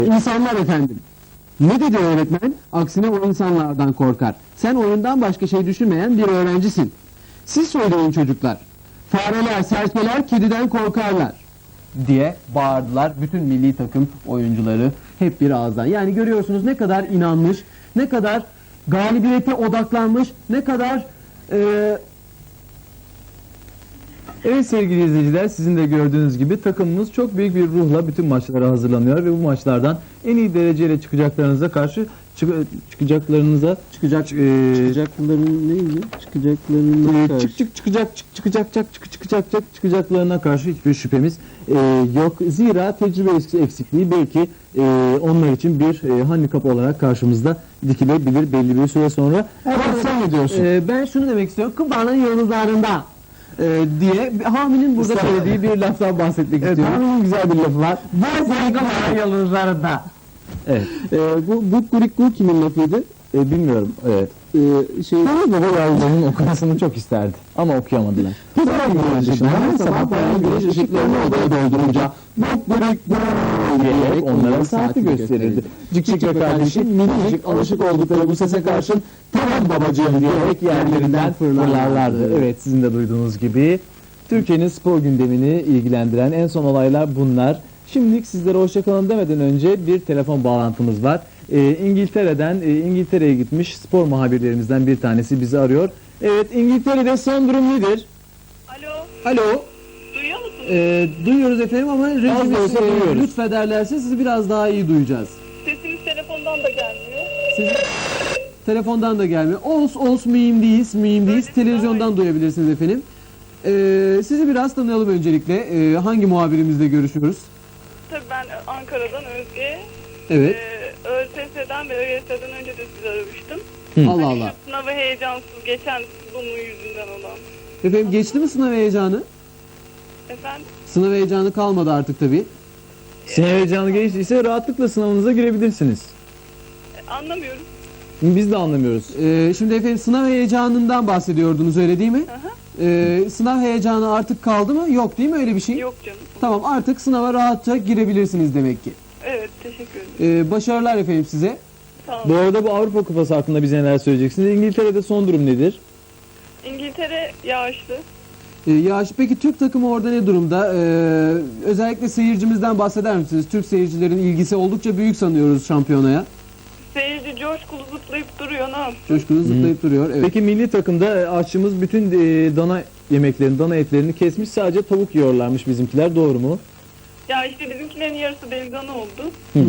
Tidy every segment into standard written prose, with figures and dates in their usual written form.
İnsanlar efendim. Ne dedi öğretmen? Aksine o insanlardan korkar. Sen oyundan başka şey düşünmeyen bir öğrencisin. Siz söyleyin çocuklar. Fareler, serçeler kediden korkarlar diye bağırdılar bütün milli takım oyuncuları hep bir ağızdan. Yani görüyorsunuz ne kadar inanmış, ne kadar galibiyete odaklanmış, ne kadar Evet sevgili izleyiciler, sizin de gördüğünüz gibi takımımız çok büyük bir ruhla bütün maçlara hazırlanıyor ve bu maçlardan en iyi dereceyle çıkacaklarınıza karşı çıkacakların çıkacaklarının çıkacaklarına karşı hiçbir şüphemiz yok. Zira tecrübe eksikliği belki onlar için bir handikap olarak karşımızda dikilebilir belli bir süre sonra. sen ne diyorsun? Ben şunu demek istiyorum. Kıbra'nın yıldızlarında diye Hami'nin burada söylediği bir laftan bahsetmek istiyorum. Hami'nin güzel bir lafı var. Kıbra'nın yıldızlarında. Evet. Bu Kurikku kimin lafıydı? Bilmiyorum. Evet. Tamam Baba yavrularının okumasını çok isterdi. Ama okuyamadılar. Her sabah bayan güneş ışıklarını odaya doldurunca Diyerek onlara saati gösterirdi. Cik ve kardeşim minicik alışık oldukları bu sese karşın tamam babacığım diyerek yerlerinden fırlarlardı. Evet, sizin de duyduğunuz gibi Türkiye'nin spor gündemini ilgilendiren en son olaylar bunlar. Şimdilik sizlere hoşçakalın demeden önce bir telefon bağlantımız var. İngiltere'ye gitmiş spor muhabirlerimizden bir tanesi bizi arıyor. Evet, İngiltere'de son durum nedir? Alo, Alo. duyuyor musunuz? Duyuyoruz efendim ama Az da olsa rejimiz duyuyoruz. lütfederlerse sizi biraz daha iyi duyacağız. Sesiniz telefondan da gelmiyor. Sizin telefondan da gelmiyor. Olsun mühim değil. Öyle Televizyondan duyabilirsiniz efendim. Sizi biraz tanıyalım öncelikle. Hangi muhabirimizle görüşüyoruz? Tabii ben Ankara'dan Özge. Evet. ÖSS'den ve ÖYS'den önce de sizi aramıştım. Allah Hani Allah. şu sınavı heyecansız geçen bunun yüzünden olan. Efendim geçti mi sınav heyecanı? Efendim? Sınav heyecanı kalmadı artık tabii. Sınav heyecanı geçtiyse rahatlıkla sınavınıza girebilirsiniz. Anlamıyorum. Biz de anlamıyoruz. Şimdi efendim sınav heyecanından bahsediyordunuz öyle değil mi? Aha. Sınav heyecanı artık kaldı mı? Yok değil mi öyle bir şey? Yok canım. Tamam artık sınava rahatça girebilirsiniz demek ki. Evet, teşekkür ederim. Başarılar efendim size. Sağ olun. Bu arada bu Avrupa Kupası hakkında bize neler söyleyeceksiniz? İngiltere'de son durum nedir? İngiltere yağışlı. Peki Türk takımı orada ne durumda? Özellikle seyircimizden bahseder misiniz? Türk seyircilerin ilgisi oldukça büyük sanıyoruz şampiyonaya. Seyirci coşkulu zıplayıp duruyor, ne yapsın? Coşkulu zıplayıp duruyor. Evet. Peki milli takımda aşçımız bütün dana yemeklerini, dana etlerini kesmiş, sadece tavuk yiyorlarmış bizimkiler, doğru mu? Ya işte bizimkilerin yarısı belgana oldu.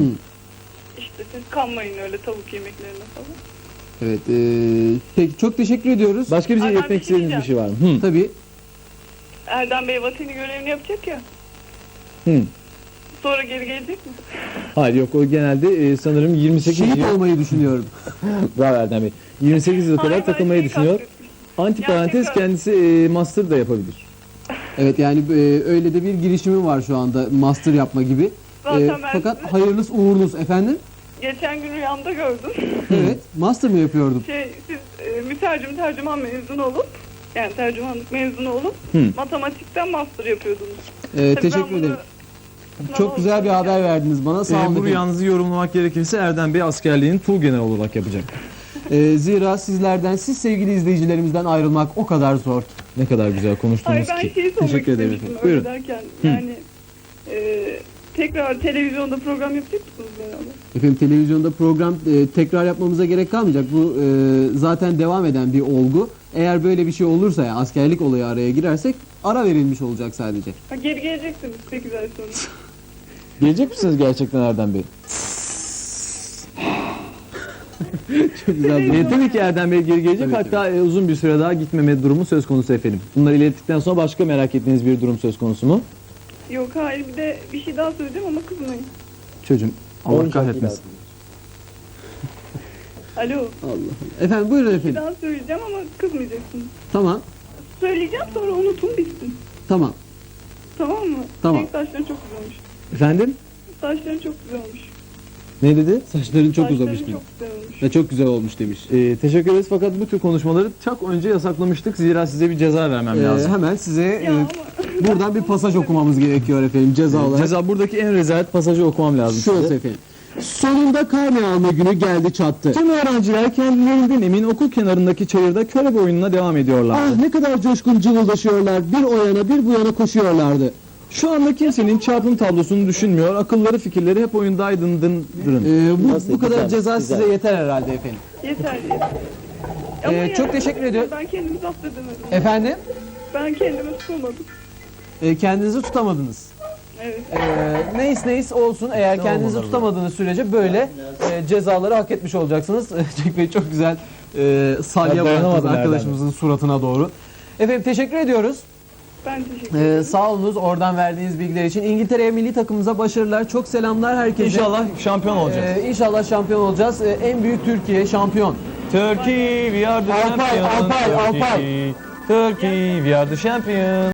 İşte siz kanmayın öyle tavuk yemeklerine falan. Evet. Peki çok teşekkür ediyoruz. Başka bize Ay, ben iletmek bir şey istediğiniz bir şey var mı? Tabii. Erdem Bey vatani görevini yapacak ya. Hı. Sonra geri gelecek mi? Hayır yok, o genelde sanırım 28 Şehit yıl. olmayı düşünüyorum. Bravo Erdem Bey. 28 yıl kadar Hayır, ben takılmayı şeyi düşünüyor. kastettim. Antiparantez Gerçekten. kendisi master da yapabilir. Evet yani öyle de bir girişimi var şu anda master yapma gibi. Zaten ben Fakat sizi hayırlısı uğurlusu efendim. geçen gün rüyamda gördüm. Evet. Master mı yapıyordum? Siz mütercim tercüman mezunu olup, yani tercümanlık mezunu olup matematikten master yapıyordunuz. Tabii Teşekkür ben bunu ederim. sınava Çok güzel bir haber verdiniz bana. Sağ olun Bu efendim. rüyanızı yorumlamak gerekirse Erdem Bey askerliğini tuğgeneral olarak yapacak. Zira siz sevgili izleyicilerimizden ayrılmak o kadar zor. Ne kadar güzel konuştunuz Hayır, ben ki. şeyi sormak Teşekkür ederim istemiştim efendim. öyle Buyurun. derken. Yani tekrar televizyonda program yapacak mısınız beraber? Efendim televizyonda program tekrar yapmamıza gerek kalmayacak. Bu zaten devam eden bir olgu. Eğer böyle bir şey olursa ya askerlik olayı araya girersek ara verilmiş olacak sadece. Ha, geri geleceksiniz 8 ay sonra. Gelecek misiniz gerçekten Erdem Bey? Çok güzel bir Tabii ki Erdem Bey geri gelecek. Tabii, Hatta uzun bir süre daha gitmeme durumu söz konusu efendim. Bunları ilettikten sonra başka merak ettiğiniz bir durum söz konusu mu? Yok hayır, bir de bir şey daha söyleyeceğim ama kızmayın. Çocuğum Allah kahretmesin. Alo, Allah. Efendim buyurun bir efendim. daha söyleyeceğim ama kızmayacaksınız. Tamam. Söyleyeceğim sonra unutun bitsin. Tamam. Tamam mı? Tamam. Senin saçların çok güzelmiş. Efendim? Saçların çok güzelmiş. Ne dedi? Saçların çok Saçların uzamış çok demiş. güzel olmuş. Ve çok güzel olmuş demiş. Teşekkür ederiz fakat bu tür konuşmaları çok önce yasaklamıştık. Zira size bir ceza vermem lazım. Hemen size Ya ama buradan bir pasaj okumamız gerekiyor efendim ceza olarak. Ceza buradaki en rezalet pasajı okumam lazım Şurası size. efendim. Sonunda karne alma günü geldi çattı. Tüm öğrenciler kendilerinden emin okul kenarındaki çayırda körebe oyununa devam ediyorlardı. Ah ne kadar coşkun cıvıldaşıyorlar. Bir o yana bir bu yana koşuyorlardı. Şu anda kimsenin çarpım tablosunu düşünmüyor. Akılları fikirleri hep oyundaydın dırın. Bu kadar ceza size yeter herhalde efendim. Yeter yeter. Ama çok teşekkür ediyorum. Ben kendimi zapt edemedim. Efendim? Ben kendimi tutamadım. Kendinizi tutamadınız. Evet. Neyse olsun, eğer kendinizi tutamadığınız sürece böyle cezaları hak etmiş olacaksınız. Cenk Bey çok güzel salya bıraktınız dayanamadım arkadaşımızın suratına doğru. Efendim teşekkür ediyoruz. Ben teşekkür ederim. Sağ olunuz oradan verdiğiniz bilgiler için. İngiltere milli takımımıza başarılar. Çok selamlar herkese. İnşallah şampiyon olacağız. İnşallah şampiyon olacağız. En büyük Türkiye şampiyon. Turkey, we are the Alpay, champion. Alpay, Alpay. Turkey, we are the champion.